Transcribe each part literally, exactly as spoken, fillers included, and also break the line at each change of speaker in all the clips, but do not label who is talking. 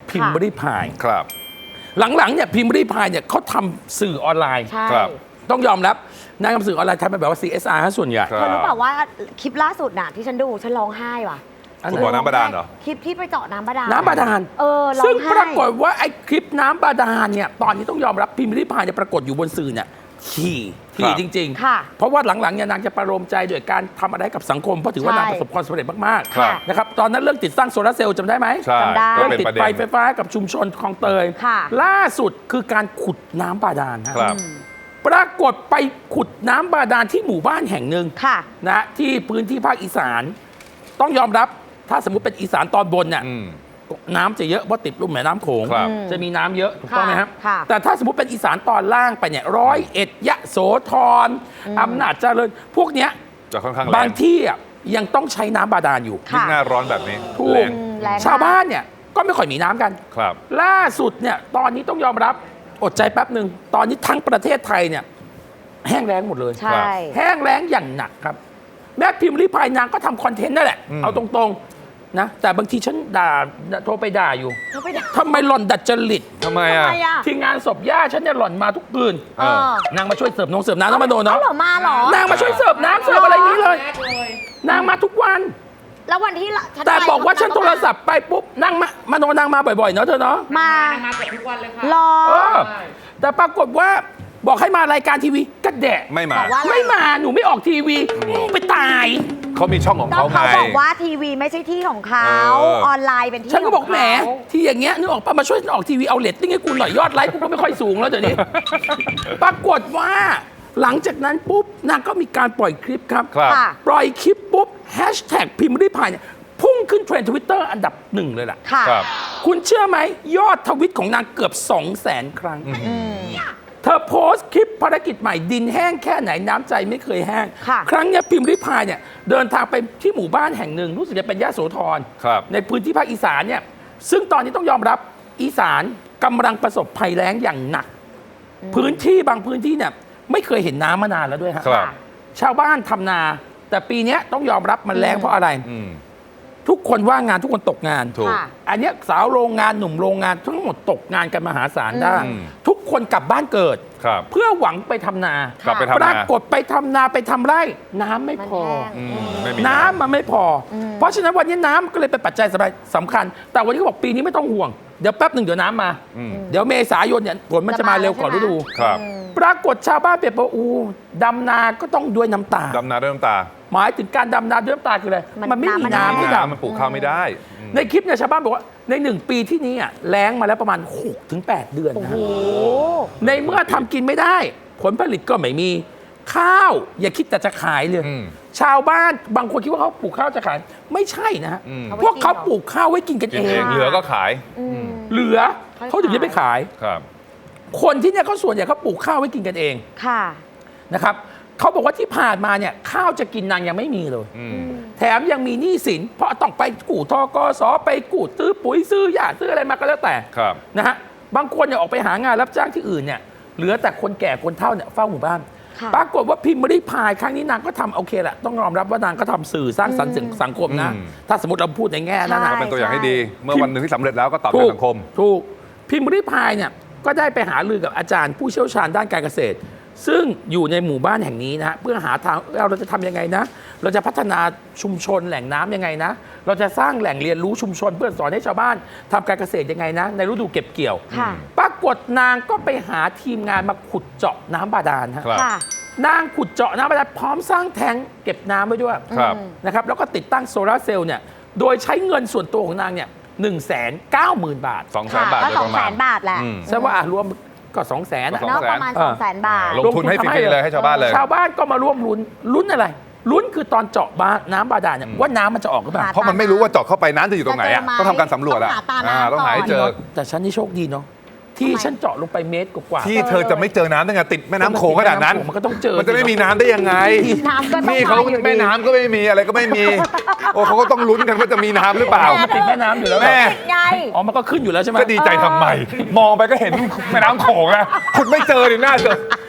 พิมพ์รีพาย
ครับ
หลังๆเนี่ยพิมพ์รีพายเนี่ยเขาทำสื่อออนไลน์
ครับ
ต้องยอมรับนางทำสื่อออนไลน์ทำเป็นแบบว่า ซี เอส อาร์ ส่วนใหญ่
ครั
เธอรู้เปล่าว่าคลิปล่าสุดน่ะที่ฉันดูฉันร้องไห้ว่ะ
คุณบ่อน้ำบาดาลเหรอ
คลิปที่ไปเจาะน้ำบาดาล
น้ำบาดาล
เออร้องไห้
ซึ่งปรากฏว่าไอ้คลิปน้ำบาดาลเนี่ยตอนนี้ต้องยอมรับพิมพ์ริพายเนี่ยปรากฏอยู่บนสื่อเนี่ยถี่ถี่จริง
ค่ะ
ๆ เพราะว่าหลังๆเนี่ยนางจะประโลมใจโดยการทำอะไรกับสังคมเพราะถือว่า
ใช่
นางประสบความสำเร็จมาก
ครับ
ๆนะครับตอนนั้นเรื่องติดตั้งโซลาร์เซลล์จำได้ไหม
ใช่
จำได้
ก็
เรื่อง
เป็น
ติด
ประเด็
ไฟ
น
ไฟฟ้ากับชุมชนคลองเตย
ค่ะ
ล่าสุดคือการขุดน้ำบาดาลฮะ
ครับ
ปรากฏไปขุดน้ำบาดาลที่หมู่บ้านแห่งหนึ่ง
ค่ะ
นะที่พื้นที่ภาคอีสาน ต้องยอมรับถ้าสมมติเป็นอีสานตอนบนเนี่ย
อืม
น้ำจะเยอะเพราะติดลุ่มแม่น้ำโขง
ครับ
จะมีน้ำเยอะถูกต้องไหมครับ
ค่ะ
แต่ถ้าสมมติเป็นอีสานตอนล่างไปเนี่ยร้อยเอ็ดยะโสธรอำนาจเจริญพวกเนี้ย
จะค่อนข้างแร
บาง งที่อ่ะยังต้องใช้น้ำบาดาลอยู่
ยิ่งหน้าร้อนแบบนี้
ถู
แร
ก
ง
แรงมก
ชาวบ้านเนี่ยก็ไม่ค่อยมีน้ำกัน
ครับ
ล่าสุดเนี่ยตอนนี้ต้องยอมรับอดใจแป๊บหนึ่งตอนนี้ทั้งประเทศไทยเนี่ยแห้งแล้งหมดเลย
ใช่
แห้งแล้งอย่างหนักครับ แม่พิมพ์ริพายนางก็ทำคอนเทนต์นั่นแหละ
อืม
เอาตรงๆนะแต่บางทีฉันด่าโทรไปด่าอยู่
เขาไปด่า
ทำไมหล่อนดัดจริต
ทำไม
ทำ
อ่ะ
ไมอ่ะ
ที่งานศพย่าฉันเนี่ยหล่อนมาทุกคืน
เออ
นางมาช่วยเสิร์ฟนงเสิร์ฟน้ำแล้วมาโดน
เอา
เนาะ
เหรอมาเหรอ
นางมาช่วยเสิร์ฟน้ำเสิร์ฟอะไรอย่างนี้เลย นางมาทุกวัน
แล้ววันที่ฉัน
แต่
ไป
บอกว่าฉัน
เข
โทรศัพท์ไปปุ๊บนางมามาโดนนางมาบ่อยๆเนาะเธอเนาะ
มา
มาเกือบทุกวันเลยค่ะ
รอ
เออแต่ปรากฏว่าบอกให้มารายการทีวีกระแดะ
ไม่มา
บอกว่า
ไม่มาหนูไม่ออกทีวีมึงไปตาย
เขามีช่องของ
ก็
เขาไง
เขาบอกว่าทีวีไม่ใช่ที่ของเขา
เออ
ออนไลน์เป็นที่
ฉันก็บอก
ขง
แหม
เขา
ที่อย่างเงี้ยนึกออกปะมาช่วยฉันออกทีวีเอาเรตติ้งให้กูหน่อยยอดไลค์กูก็ไม่ค่อยสูงแล้วเดี๋ยวนี้ ปรากฏว่าหลังจากนั้นปุ๊บนางก็มีการปล่อยคลิปครับ
ครับ
ค่ะ
ปล่อยคลิปปุ๊บแฮชแท็กพิมพ์ริพายเนี่ยพุ่งขึ้นเทรนด์ทวิตเตอร์อันดับหนึ่งเลยล่ะ
ค่ะ
ครับ
คุณเชื่อไหมยอดทวิตของนางเกือบ2 0 0 0 0 0 ครั้ง
อืม
เธอโพสต์คลิปภารกิจใหม่ดินแห้งแค่ไหนน้ำใจไม่เคยแห้ง
ค่ะ
ครั้งเนี้ยพิมพ์ริพายเนี่ยเดินทางไปที่หมู่บ้านแห่งหนึ่งรู้สึกจะเป็นยะโสธร
ครับ
ในพื้นที่ภาคอีสานเนี่ยซึ่งตอนนี้ต้องยอมรับอีสานกำลังประสบภัยแล้งอย่างหนัก พื้นที่บางพื้นที่เนี่ยไม่เคยเห็นน้ำมานานแล้วด้วยฮะ
ครับ
ชาวบ้านทำนา แต่ปีเนี้ยต้องยอมรับมันแรงเพราะอะไร
อืม
ทุกคนว่างงานทุกคนตกงาน
ถูก
ค่ะ
อันเนี้ยสาวโรงงานหนุ่มโรงงานทั้งหมดตกงานกันมหาศาลได้
อืม
ทุกคนกลับบ้านเกิด
ครับ
เพื่อหวังไปทำนา
กลับไป
ป
ทำ
รา
นา
กฏไปทำนาไปทำไร่ น้ำไม่
มัน
พอ
แห้ง
อืมไม่มี
น้ำมันไม่พออเพราะฉะนั้นวันนี้น้ำก็เลยเป็นปัจจัยสำคัญ แต่วันนี้เขาบอกปีนี้ไม่ต้องห่วง เดี๋ยวแป๊บหนึ่งเดี๋ยวน้ำมา
อืม
เดี๋ยวเมษายนเนี่ยฝนมันจะมาเร็วกว่าฤดู
ครับ
ปรากฏชาวบ้านเปรียบว่าอูดำนาก็ต้องด้วยน้ำตา
ดำนาด้วยน้ำตา
หมายถึงการดำนาด้วยน้ำตาคืออะไร
มัน
มันไม่มี
น้ำมัน
น้ำให้
แห้ง
ด
มันปลูกข้าวไม่ได้อืม
ำในคลิปเนี่ยชาวบ้านบอกว่าในหนึ่งปีที่นี้อ่ะแล้งมาแล้วประมาณหกถึงแปดเดือน
โอ้
นะ
โห
ฮะในเมื่อทำกินไม่ได้ ผลผลิตก็ไม่มีข้าว อย่าคิดแต่จะขายเลย
อืม
ชาวบ้านบางคนคิดว่าเขาปลูกข้าวจะขาย ไม่ใช่นะฮะ
อืม
พวกเขาปลูกข้าวไว้กินกัน
กิ
เอน
เอง งเหลือก็ขาย
อืม
เหลือ
ค่อย
เขาถึงจะไปขาย
ครับ
คนที่เนี่ยเขาส่วนใหญ่เขาปลูกข้าวไว้กินกันเอง
ค่ะ
นะครับเขาบอกว่าที่ผ่านมาเนี่ยข้าวจะกินนางยังไม่มีเลย
อืม
แถมยังมีหนี้สิน เพราะต้องไปกู้ทกสไปกู้ซื้อปุ๋ยซื้อยาซื้ออะไรมาก็แล้วแต่
ครับ
นะฮะบางคนเนี่ยออกไปหางานรับจ้างที่อื่นเนี่ยเหลือแต่คนแก่คนเฒ่าเนี่ยเฝ้าหมู่บ้าน
ค่ะ
ปรากฏว่าพิมพ์ริพายครั้งนี้นางก็ทำโอเคแหละต้องยอมรับว่านางก็ทำสื่อสร้างสรรค์สังคมนะ
อืม
ถ้าสมมติเราพูดในแง่นั้นนะ
ใช่
เป็นตัวอย่างให้ดี เมื่อวันหนึ่งที่สำเร็จแล้วก็ตอบแท
ถู
น
ก
สังคม
ถูกพิมพ์ริพายเนี่ยก็ได้ไปหารือกับอาจารย์ผู้เชี่ยวชาญด้านการเกษตร ซึ่งอยู่ในหมู่บ้านแห่งนี้นะฮะเพื่อหาทางเราจะทำยังไงนะ เราจะพัฒนาชุมชนแหล่งน้ำยังไงนะ เราจะสร้างแหล่งเรียนรู้ชุมชนเพื่อสอนให้ชาวบ้านทำการเกษตรยังไงนะ ในฤดูเก็บเกี่ยว
ค่ะ
ปรากฏนางก็ไปหาทีมงานมาขุดเจาะน้ำบาดาลฮะ
ครับ
ค่ะ
นางขุดเจาะน้ำบาดาลพร้อมสร้างแทงเก็บน้ำไว้ด้วย
ครับ
นะครับแล้วก็ติดตั้งโซลาร์เซลล์เนี่ยโดยใช้เงินส่วนตัวของนางเนี่ยหนึ่งแสนเก้าหมื่นบาท
สองแส
ค่ะ
นบาท
ก็
โดย
ส
ป
อง
ระ
แส
มาณ
นบาทแหละ
อืม
ใช่ว่าอ่ะรวมก็สองแสน
ก็
เนาะประมาณ
เออ
สองแสนบาท
ลงทุนให้ฟรีๆเลยให้ชาวบ้านเลย
ชาวบ้านก็มาร่วมลุ้นลุ้นอะไร ลุ้นคือตอนเจาะบ้านน้ำบาดาลเนี่ยว่าน้ำมันจะออกหรือเปล่า
หา
เพราะมันไม่รู้ว่าเจาะเข้าไปน้ำจะอยู่ตรงไหนอ่ะ
จะเจอไหม
ต้องทำการสำรวจอ่ะ
ต้องหาตาน้ำ
อ่าต้องหาให้เจอ
ก่อน
แต่ฉันนี่โชคดีเนาะที่ฉันเจาะลงไปเมตรกว่าๆ
ที่เธอจะไม่เจอน้ำได้ไงติดแม่น้ำโขงขนาดนั้น
มันก็ต้องเจอ
มันจะไม่มีน้ำได้ยังไง
น้ำก็ต้อง
นี่เขา
มาอยู่ดี
แม่น้ำก็ไม่มีอะไรก็ไม่มี โอ้เขาก็ต้องลุ้นกันว่าจะมีน้ำหรือเปล่า
มันติดแม่น้ำอยู่แล้ว
แม่
ไง
อ๋อมันก็ขึ้นอยู่แล้วใช่ไหม
ก็ดีใจทำไม มองไปก็เห็นแม่น้ำโขงแล้วคุณไม่เจอดิหน้าเจอ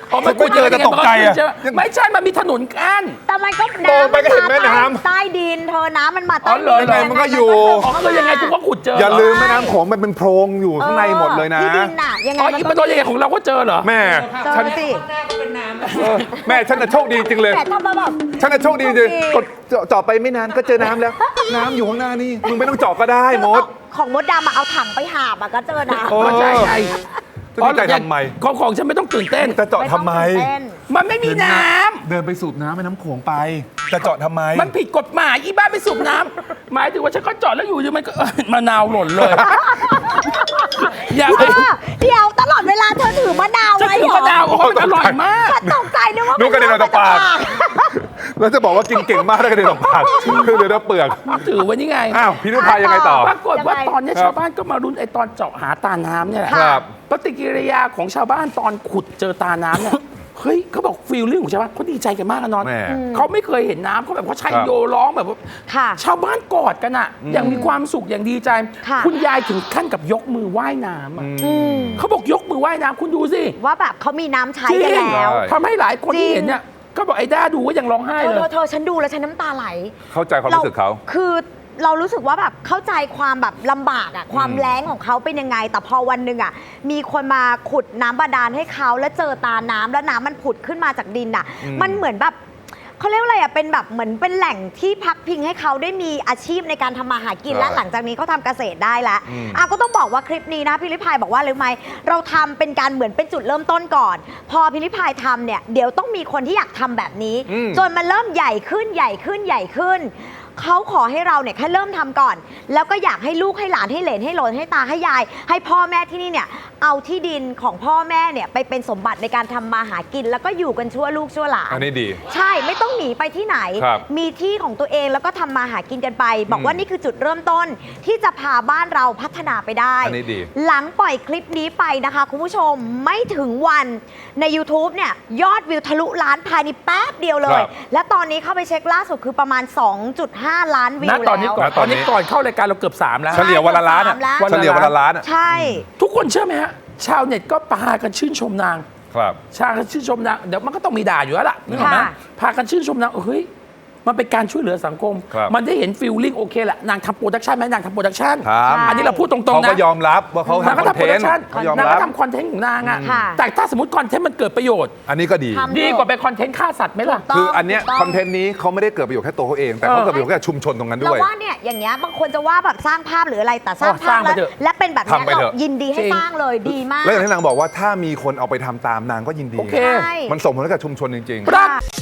อ๋อ
ฉันไม่เจอแต่ตกใจอะ
ไม่ใช่มันมีถนนกั้น
แต่มันก็
โตไปก็เห็นแม่น้ำ
ใต้ดินเธอน้ำมันมา
อ๋
ใต้
อเหร
ดิ
อ
น
ยังไงมันก็อยู่
อ๋อคือยังไงกูก็ขุดเจอ
อย่า
เหร
ลืมแม่น้ำโขงมันเป็นโพรงอยู่ข้างในหมดเลยนะ
ที่ดินน่ะยังไง
อ๋อ
มัน
อี
ก็
ปะโดนยังไงของเราก็เจอเหรอ
แม่
เจอ
ฉัน
สิ
เออแม่ฉันน่ะโชคดีจริงเลย
แต่ถ้ามาแบบ
ฉันน่ะโชคดีจริง
โชคดี
กดเจาะเจาะไปไม่นานก็เจอน้ำแล้ว น้ำอยู่ข้างหน้านี่มึงไม่ต้องเจาะก็ได้มด
ของมดดำอะเอาถังไปหาบอะก็เจอนะ
โอ้
ก็ใช่ไง
จะดีใจทำไม
ของของฉันไม่ต้องตื่นเต้น
จะเจาะทำไม
ต้องตื่นเต้น
มันไม่มีน้ำ
เดินไปสูบน้ำแม่น้ำโขงไป จะเจาะทำไม
มันผิดกฎหมายอีบ้าไปสูบน้ำหมายถึงว่าฉันก็จอดแล้วอยู่ดีมันก็ เอ้ยมะนาวหล่นเลย อย่า
เออเดี๋ยวตลอดเวลาเธอถือมะนาว
จะ
ไว้
ถือ
เหร
มะนาวโอ้ยมันอร่อยมาก
ฉันตกใจนึกว่า
นึกกระเด็นออกจากปาก แล้วจะบอกว่ากินเก่งมากได้กระเด็นออกปากคือเดี๋ยวเราเปลือก
ถือไว้นี่ไง
อ้าวพี่นุพายยังไงต่อ
ปรากฏว่าตอนนี้
ครับ
ชาวบ้านก็มารุ้นไอ้ตอนเจาะหาตาน้ำเนี่ยแหละ
ครับ
ปฏิกิริยาของชาวบ้านตอนขุดเจอตาน้ำเนี่ย เฮ้ยเขาบอกฟีลลิ่งของชาวบ้านเขาดีใจกันมากนะนอน
แม่
เขาไม่เคยเห็นน้ำเขาแบบเขาชัย
ครับ
โยร้องแบบว่า
ค่ะ
ชาวบ้านกอดกันอะอย่างมีความสุขอย่างดีใจ
ค่ะ
คุณยายถึงขั้นกับยกมือไหว้น้ำอะ
อืม
เขาบอกยกมือไหว้น้ำคุณดูสิ
ว่าแบบเขามีน้ำใช้
จริ
กัน
ง
แล้ว
ใช่
ทำให้หลายคนที่
จริง
เห็นเนี่ยก็บอกไอ้ด้าดูก็ยังร้องไห้
เธอ
เล
เธอย เธอฉันดูแล้วฉันน้ำตาไหล
เข้าใจความรู้สึกเขา
คือเรารู้สึกว่าแบบเข้าใจความแบบลำบากอะความแรงของเขาเป็นยังไง แต่พอวันหนึ่งอะมีคนมาขุดน้ำบาดาลให้เขาแล้วเจอตาน้ำแล้วน้ำมันผุดขึ้นมาจากดินอะ
อืม
มันเหมือนแบบเขาเรียกว่าอะไรอะเป็นแบบเหมือนเป็นแหล่งที่พักพิงให้เขาได้มีอาชีพในการทำมาหากินและหลังจากนี้เขาทำเกษตรได้แล้ว
อืม
อ่ะก็ต้องบอกว่าคลิปนี้นะพิริพายบอกว่ารู้ไหมเราทำเป็นการเหมือนเป็นจุดเริ่มต้นก่อน พอพิริพายทำเนี่ยเดี๋ยวต้องมีคนที่อยากทำแบบนี้
อืม
จนมันเริ่มใหญ่ขึ้นใหญ่ขึ้นใหญ่ขึ้น เขาขอให้เราเนี่ยแค่เริ่มทำก่อน แล้วก็อยากให้ลูกให้หลานให้เหลนให้หลนให้ตาให้ยาย ให้พ่อแม่ที่นี่เนี่ยเอาที่ดินของพ่อแม่เนี่ยไปเป็นสมบัติในการทำมาหากิน แล้วก็อยู่กันชั่วลูกชั่วหลาน
อันนี้ดี
ใช่ไม่ต้องหนีไปที่ไหน
ครับ
มีที่ของตัวเองแล้วก็ทำมาหากินกันไป บอกว่านี่คือจุดเริ่มต้นที่จะพาบ้านเราพัฒนาไปได้
อันนี้ดี
หลังปล่อยคลิปนี้ไปนะคะคุณผู้ชมไม่ถึงวันใน YouTube เนี่ยยอดวิวทะลุล้านภายในแป๊บเดียวเลย
ครับ
และตอนนี้เข้าไปเช็คล่าสุดคือประมาณ สองจุดห้า ล้านวิว
ณ
แล้ว
ตอนนี้ก่อน
ณ
ต
ต
อ
อน นนี้
นี้ก่อนเข้ารายการเราเกือบสามแล้ว
เฉลี่ยวันละล้านอะ
สามล้าน
เฉลี่ยวันละล้านอะ
ใช่
ทุกคนเชื่อไหมฮะ ชาวเน็ตก็พากันชื่นชมนาง
ครับ
ชากันชื่นชมนางเดี๋ยวมันก็ต้องมีด่าอยู่แล้วล่ะนึกออกไหม
ค่ะ
พากันชื่นชมนางเฮ้ยมันเป็นการช่วยเหลือสังคม
ครับ
มันได้เห็นฟิลลิ่งโอเคแหละนางทำโปรดักชันไหมนางทำโปรดักชัน
ครับ
อันนี้เราพูดตรง
เขา
ๆนะ
ก็ยอมรับว่าเขา
นางก็
ทำคอน
ทำโปร
เท
ดั
น
ก
ต์
ชัน
เขายอม
นาง
รั
ก็
บ
ทำคอนเทนต์ของนางอะ
ค่ะ
แต่ถ้าสมมติคอนเทนต์มันเกิดประโยชน์
อันนี้ก็ดี
ทำ
ดีกว่าไปคอนเทนต์ฆ่าสัตว์ไหมล่ะ
ถูก
คืออันเนี้ย
ถูกต้ง
คอนเทนต์นี้เขาไม่ได้เกิดประโยชน์แค่ตัวเขาเอง แต่เขา
เออ
เกิดประโยชน์แก่ชุมชนตรงนั้น
เรา
ด้วย
ว่าเนี่ยอย่างเงี้ยบางคนจะว่าแบบสร้างภาพหรืออะไรแต่สร้าง
อ๋อ
ภา
สร้า
พ
งไป
แล้ว
เถอะ
และเป็นแบบเนี้ย
ทำไป
เรา
เถอะ
ยินดีให้
จริง
สร้างเลยดีมาก
แล้วอย่างที่นางบอกว่าถ้ามีคนเอาไปทำตามนางก็ยินดี
โอเค
ใช่
มันส่งผลให้กับชุมชนจริง
ปราก
ค่ะ